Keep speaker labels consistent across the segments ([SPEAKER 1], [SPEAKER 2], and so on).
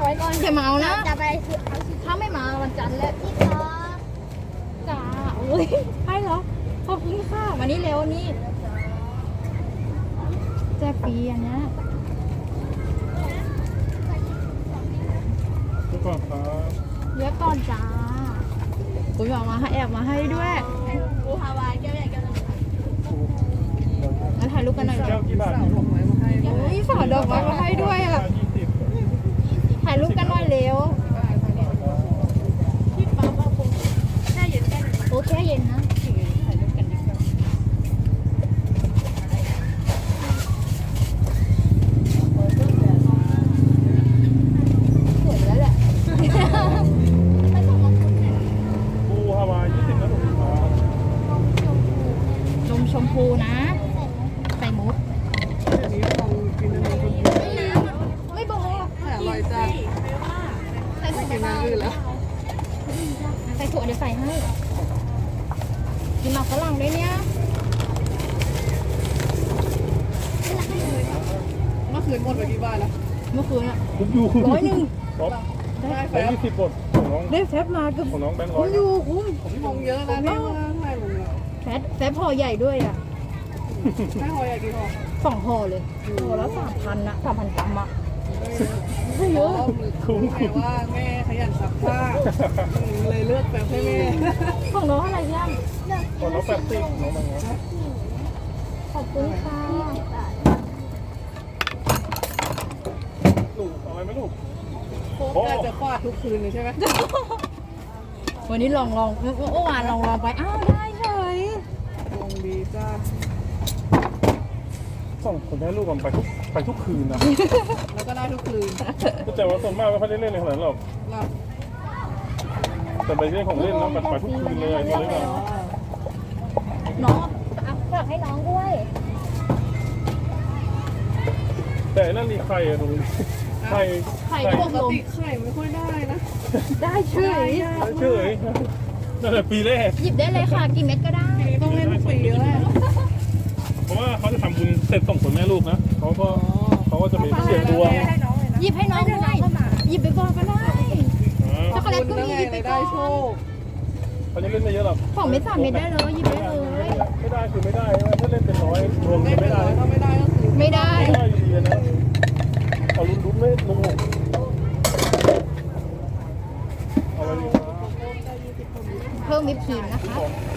[SPEAKER 1] ไว้ก่อน
[SPEAKER 2] อย่าเมานะ
[SPEAKER 1] จะไปซื้อเอาสิ
[SPEAKER 2] ถ้าไม่มาวันจันทร์แล้ว
[SPEAKER 1] ที่คอ
[SPEAKER 2] จ้าอุ้ยให้เหรอขอบคุณค่ะวันนี้เร็วนี่แจกฟรีอันเนี้ย
[SPEAKER 3] ทุกคนครับ
[SPEAKER 2] เยอะก่อนจ้าคุณบอกมาให้แอบมาให้ด้วย
[SPEAKER 1] ปูฮาวายแก้วใหญ่แก้วนึง
[SPEAKER 2] งั้นถ่ายรูปกันหน่อย
[SPEAKER 3] แก้วกี่บาท
[SPEAKER 2] อุ้ยสาวดอกไม้มาให้ด้วยอ่ะ
[SPEAKER 3] 20
[SPEAKER 2] ถ่ายรูปกันหน่อยเร็ว
[SPEAKER 1] ที่ปั๊มเอาปูแช่เย็นแก้วนึง
[SPEAKER 2] โอ้แค่เย็นนะถ่ายรูปกันดีกว่าสวยแล้วแหละ
[SPEAKER 3] ปูฮาวาย20นะผมครับ
[SPEAKER 2] นมชมพูนะ ใส่มุก
[SPEAKER 4] เดี๋ยวนี้ลองกินนมชมพู
[SPEAKER 2] ไม่บอก
[SPEAKER 4] แต่อร่อยจัง
[SPEAKER 2] ใส่ถั่ว
[SPEAKER 4] กินน้ำอื่นแล้ว
[SPEAKER 2] ใส่ถั่วเดี๋ยวใส่ให้กินหมากฝรั่งด้วยเนี่ย
[SPEAKER 4] เมื่อคืนหมดไปกี่บาทแล้ว
[SPEAKER 2] เมื่อคืนอะ
[SPEAKER 3] ผมอยู่
[SPEAKER 2] 100
[SPEAKER 3] ครับ
[SPEAKER 4] ได้แฟ
[SPEAKER 3] แบง
[SPEAKER 4] บ
[SPEAKER 3] ค์20บทของน้อง
[SPEAKER 2] ได้แฟบมาเกือบ
[SPEAKER 3] ของน้องแบงค์ร้
[SPEAKER 2] คุ้
[SPEAKER 3] อ
[SPEAKER 2] ม
[SPEAKER 3] ย
[SPEAKER 2] อยู่คุ้ม
[SPEAKER 4] ผมมองเยอะนะที่ว่าถ่ายลงแล้ว
[SPEAKER 2] แฟบพอใหญ่ด้วยอ่ะ
[SPEAKER 4] ไม่หอยอะกี่ห่อ
[SPEAKER 2] 2 ห่อเลยห่อละ3,000นะ3,000 กรัมอ่ะ
[SPEAKER 4] ไม่เยอะคุ้มแม่ว่าแม่ขยันซักผ้าเลยเลือกแบบให้แม่
[SPEAKER 2] ของน้องอะไรยัง
[SPEAKER 3] ของน้อง80น้องแบงค์ร้อย
[SPEAKER 2] ขอบคุณค่ะ
[SPEAKER 3] ลูกเอาไว้ไหมลูก
[SPEAKER 4] โค้กจะฟาดทุกคืนเลยใช่ไหม
[SPEAKER 2] วันนี้ลองเมื่อวานลองไปอ้าวได้เฉย
[SPEAKER 4] ลงดีจ้า
[SPEAKER 3] ส่งคนได้ลูกกันไปทุกคืนนะ
[SPEAKER 4] แล้วก็ได้ทุกคืน
[SPEAKER 3] แต่ว่าส่วนมากไม่ค่อยได้เล่นในขนาดนั้นหรอก
[SPEAKER 4] เรา
[SPEAKER 3] แต่ไปเล่นของเล่นน้องไปทุกคืนเลยมาเลยนะ
[SPEAKER 2] น้องอ่ะฝากให้น้องด้วย
[SPEAKER 3] แต่นั่นมีไข่อะตรงนี้ไข่
[SPEAKER 2] ไข่
[SPEAKER 4] ป
[SPEAKER 2] พวก
[SPEAKER 4] ก
[SPEAKER 2] ลม
[SPEAKER 4] ติไข่ไม่ค่อยได้นะ
[SPEAKER 2] ได้เฉย
[SPEAKER 3] เฉยนั่นแหละปีแรก
[SPEAKER 2] หยิบได้เลยค่ะกี่เม็ดก็ได้
[SPEAKER 4] ต้องเล่นทุกปีแล้ว
[SPEAKER 3] เพราะว่าเขาจะทำบุญเสร็จส่งผลแม่ลูกนะเขาก็จะไปเสี่ยงดวง
[SPEAKER 2] หยิบให้น้องด้วยหยิบไปก่อนก็ได้ ช็อกโกแลตก็มีหยิบไปก่อน
[SPEAKER 4] ได้โชค
[SPEAKER 3] เขาจะเล่นไม่เยอะหรอก
[SPEAKER 2] 2 เม็ด3 เม็ดได้เลยหยิบได้เลย
[SPEAKER 3] ไม่ได้คือไม่ได้ถ้าเล่นเป็นร้อยรวม
[SPEAKER 4] ไม่
[SPEAKER 3] กัน
[SPEAKER 4] เป็น
[SPEAKER 3] ไม่
[SPEAKER 4] ไร
[SPEAKER 3] ได้
[SPEAKER 4] ถ้าไม่ได้ก็คือ
[SPEAKER 2] ไม่ได้
[SPEAKER 3] ไม่ได้อยู่ดีนะเอาลุ้นไม่ลงหกเอาไว้ดีครับ
[SPEAKER 2] เพิ่มวิปครีมนะคะ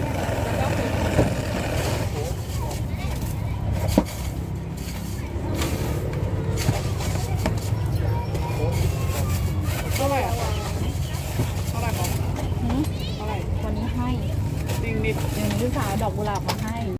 [SPEAKER 4] เท่าไหร่อ่ะเท่าไหร่ของ
[SPEAKER 2] หืม
[SPEAKER 4] เท่าไหร่
[SPEAKER 2] วันนี้ให้
[SPEAKER 4] จริงดิ
[SPEAKER 2] เดี๋ยวนี้ลูกสาวเอาดอกกุหลาบมาให้